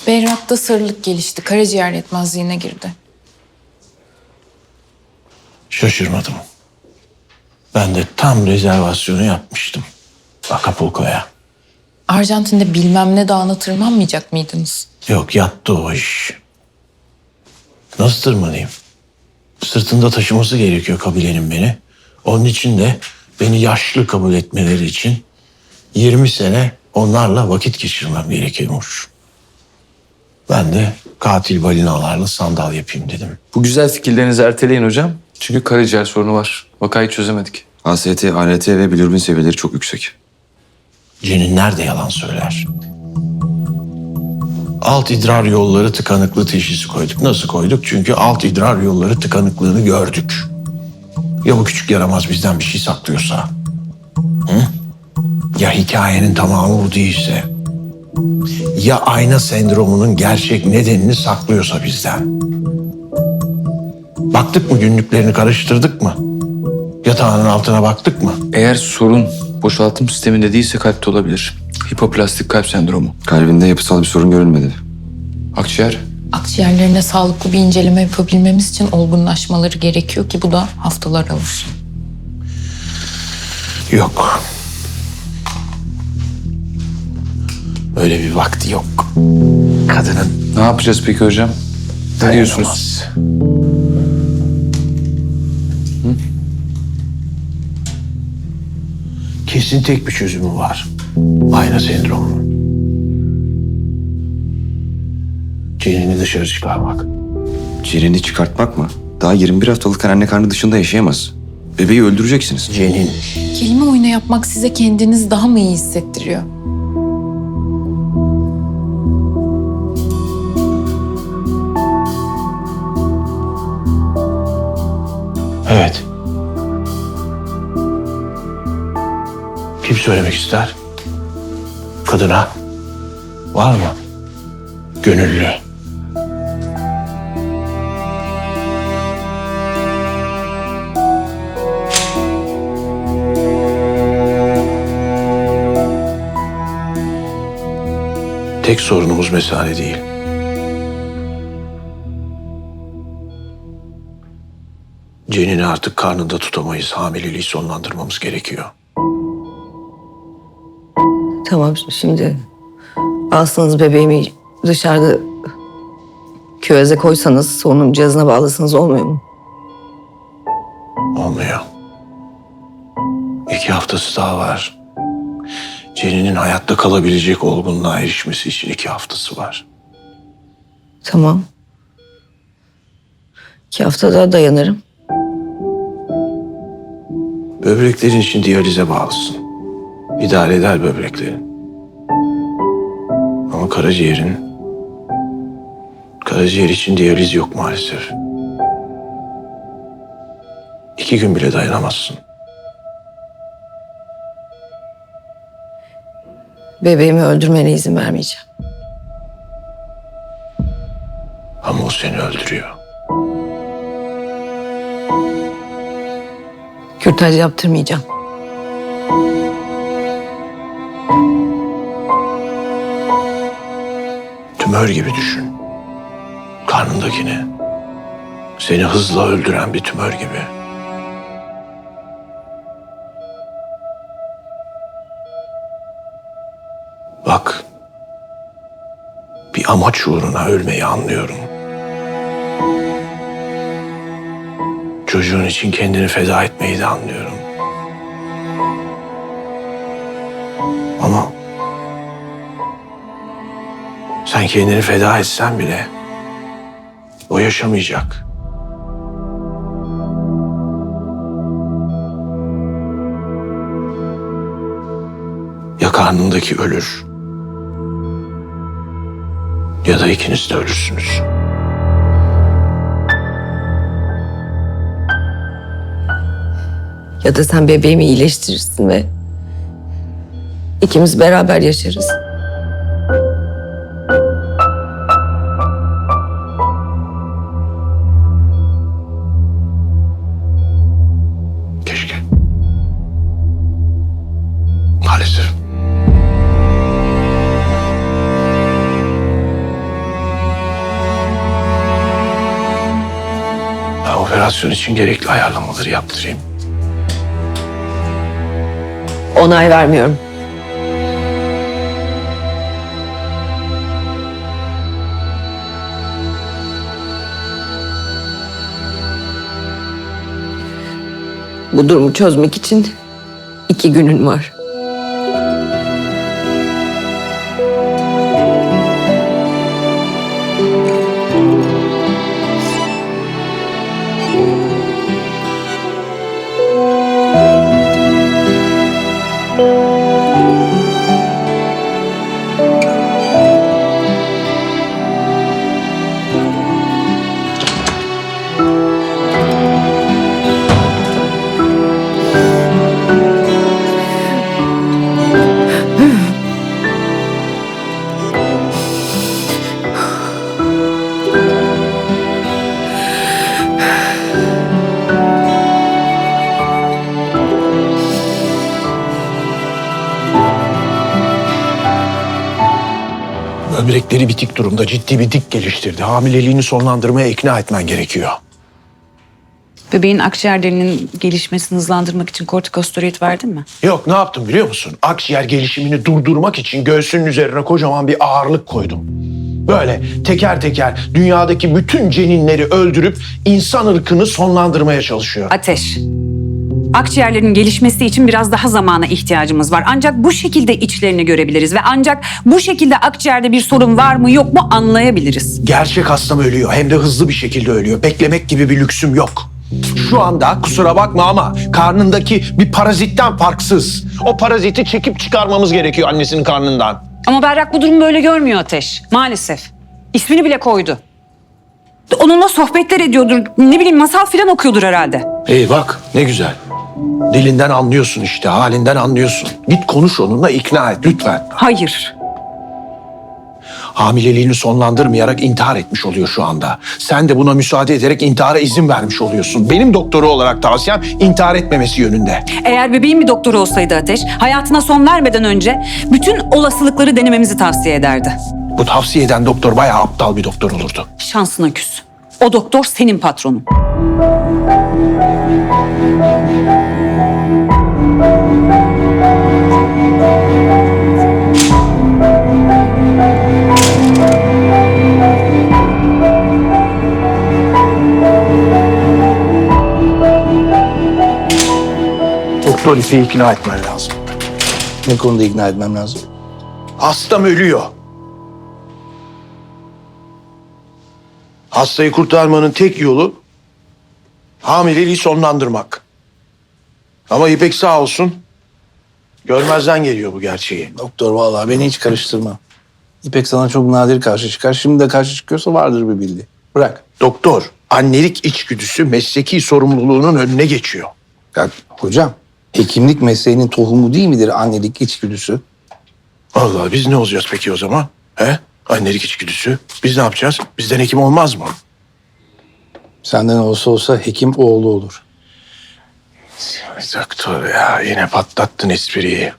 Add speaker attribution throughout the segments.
Speaker 1: Berrak'ta sarılık gelişti. Karaciğer yetmezliğine girdi.
Speaker 2: Şaşırmadım. Ben de tam rezervasyonu yapmıştım Acapulco'ya.
Speaker 1: Arjantin'de bilmem ne dağına tırmanmayacak mıydınız?
Speaker 2: Yok, yattı o iş. Nasıl tırmanayım? Sırtında taşıması gerekiyor kabilenin beni. Onun için de beni yaşlı kabul etmeleri için 20 sene onlarla vakit geçirmem gerekiyormuş. Ben de katil balinalarla sandal yapayım dedim.
Speaker 3: Bu güzel fikirlerinizi erteleyin hocam. Çünkü karaciğer sorunu var. Vakayı çözemedik.
Speaker 4: AST, ALT ve bilirubin seviyeleri çok yüksek.
Speaker 2: Cenin nerede yalan söyler? Alt idrar yolları tıkanıklığı teşhisi koyduk. Nasıl koyduk? Çünkü alt idrar yolları tıkanıklığını gördük. Ya bu küçük yaramaz bizden bir şey saklıyorsa? Hı? Ya hikayenin tamamı bu değilse? Ya ayna sendromunun gerçek nedenini saklıyorsa bizden? Baktık mı, günlüklerini karıştırdık mı? Yatağının altına baktık mı?
Speaker 3: Eğer sorun boşaltım sisteminde değilse kalpte olabilir. Hipoplastik kalp sendromu.
Speaker 4: Kalbinde yapısal bir sorun görülmedi.
Speaker 3: Akciğer.
Speaker 1: Akciğerlerine sağlıklı bir inceleme yapabilmemiz için olgunlaşmaları gerekiyor ki bu da haftalar alır.
Speaker 2: Yok. Öyle bir vakti yok. Kadının
Speaker 3: Ne yapacağız peki hocam? Ne diyorsunuz?
Speaker 2: dayanamaz. Kesin tek bir çözümü var. Ayna sendromu. Cenini dışarı çıkarmak.
Speaker 4: Cirini çıkartmak mı? Daha 21 haftalıkken anne karnı dışında yaşayamaz. Bebeği öldüreceksiniz.
Speaker 2: Cenin.
Speaker 1: Kelime oyunu yapmak size kendiniz daha mı iyi hissettiriyor?
Speaker 2: Evet. Kim söylemek ister? Kadına. Var mı? Gönüllü. Tek sorunumuz mesane değil. Cenini artık karnında tutamayız. Hamileliği sonlandırmamız gerekiyor.
Speaker 5: Tamam, şimdi alsanız bebeğimi dışarıda küveze koysanız, solunum cihazına bağlasanız olmuyor mu?
Speaker 2: Olmuyor. 2 haftası daha var. Ceninin hayatta kalabilecek olgunluğa erişmesi için 2 haftası var.
Speaker 5: Tamam. 2 hafta daha dayanırım.
Speaker 2: Böbreklerin için diyalize bağlısın. İdare eder böbreklerin. Ama karaciğer için diyaliz yok maalesef. 2 gün bile dayanamazsın.
Speaker 5: Bebeğimi öldürmene izin vermeyeceğim.
Speaker 2: Ama o seni öldürüyor.
Speaker 5: Kürtaj yaptırmayacağım.
Speaker 2: Tümör gibi düşün. Karnındakini. Seni hızla öldüren bir tümör gibi. Bak. Bir amaç uğruna ölmeyi anlıyorum. Çocuğun için kendini feda etmeyi de anlıyorum. Ama sen kendini feda etsen bile o yaşamayacak. Ya karnındaki ölür ya da ikiniz de ölürsünüz.
Speaker 5: Ya da sen bebeğimi iyileştirirsin ve ikimiz beraber yaşarız.
Speaker 2: Keşke. Maalesef. Ben operasyon için gerekli ayarlamaları yaptırayım.
Speaker 5: Onay vermiyorum. Bu durumu çözmek için 2 günün var.
Speaker 2: Böbrekleri bitik durumda, ciddi bir dik geliştirdi. Hamileliğini sonlandırmaya ikna etmen gerekiyor.
Speaker 6: Bebeğin akciğerlerinin gelişmesini hızlandırmak için kortikosteroid verdin mi?
Speaker 2: Yok, ne yaptım biliyor musun? Akciğer gelişimini durdurmak için göğsünün üzerine kocaman bir ağırlık koydum. Böyle teker teker dünyadaki bütün ceninleri öldürüp insan ırkını sonlandırmaya çalışıyor.
Speaker 6: Ateş. Akciğerlerin gelişmesi için biraz daha zamana ihtiyacımız var. Ancak bu şekilde içlerini görebiliriz ve ancak bu şekilde akciğerde bir sorun var mı yok mu anlayabiliriz.
Speaker 2: Gerçek hastam ölüyor, hem de hızlı bir şekilde ölüyor. Beklemek gibi bir lüksüm yok. Şu anda kusura bakma ama karnındaki bir parazitten farksız. O paraziti çekip çıkarmamız gerekiyor annesinin karnından.
Speaker 6: Ama Berrak bu durumu böyle görmüyor Ateş. Maalesef. İsmini bile koydu. Onunla sohbetler ediyordur. Ne bileyim masal filan okuyordur herhalde.
Speaker 2: İyi bak ne güzel. Dilinden anlıyorsun işte, halinden anlıyorsun. Git konuş onunla, ikna et lütfen.
Speaker 6: Hayır.
Speaker 2: Hamileliğini sonlandırmayarak intihar etmiş oluyor şu anda. Sen de buna müsaade ederek intihara izin vermiş oluyorsun. Benim doktoru olarak tavsiyem intihar etmemesi yönünde.
Speaker 6: Eğer bebeğin bir doktoru olsaydı Ateş, hayatına son vermeden önce bütün olasılıkları denememizi tavsiye ederdi.
Speaker 2: Bu tavsiye eden doktor bayağı aptal bir doktor olurdu.
Speaker 6: Şansına küs. O doktor senin patronun.
Speaker 2: Doktor İpek'i ikna etmen lazım.
Speaker 7: Ne konuda ikna etmem lazım?
Speaker 2: Hastam ölüyor. Hastayı kurtarmanın tek yolu hamileliği sonlandırmak. Ama İpek sağ olsun görmezden geliyor bu gerçeği.
Speaker 7: Doktor vallahi beni hiç karıştırma. İpek sana çok nadir karşı çıkar. Şimdi de karşı çıkıyorsa vardır bir bildiği. Bırak.
Speaker 2: Doktor, annelik içgüdüsü mesleki sorumluluğunun önüne geçiyor.
Speaker 7: Ya hocam, hekimlik mesleğinin tohumu değil midir annelik içgüdüsü?
Speaker 2: Allah biz ne olacağız peki o zaman? He? Annelik içgüdüsü. Biz ne yapacağız? Bizden hekim olmaz mı?
Speaker 7: Senden olsa hekim oğlu olur.
Speaker 2: Doktor ya yine patlattın espriyi.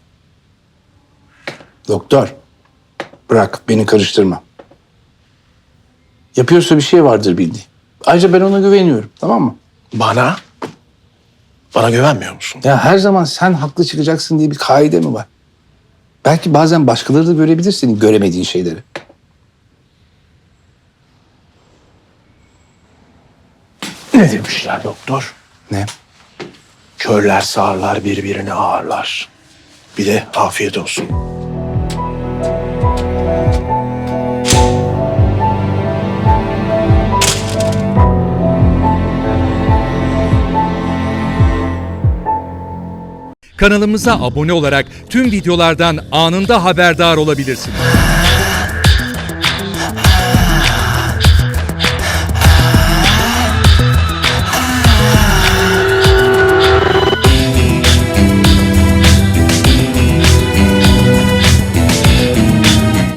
Speaker 7: Doktor, bırak beni karıştırma. Yapıyorsa bir şey vardır bildiği. Ayrıca ben ona güveniyorum, tamam mı?
Speaker 2: Bana? Bana güvenmiyor musun?
Speaker 7: Ya her zaman sen haklı çıkacaksın diye bir kaide mi var? Belki bazen başkaları da görebilir senin göremediğin şeyleri.
Speaker 2: Ne demişler doktor?
Speaker 7: Ne?
Speaker 2: Körler sağırlar birbirini ağırlar. Bir de afiyet olsun.
Speaker 8: Kanalımıza abone olarak tüm videolardan anında haberdar olabilirsiniz.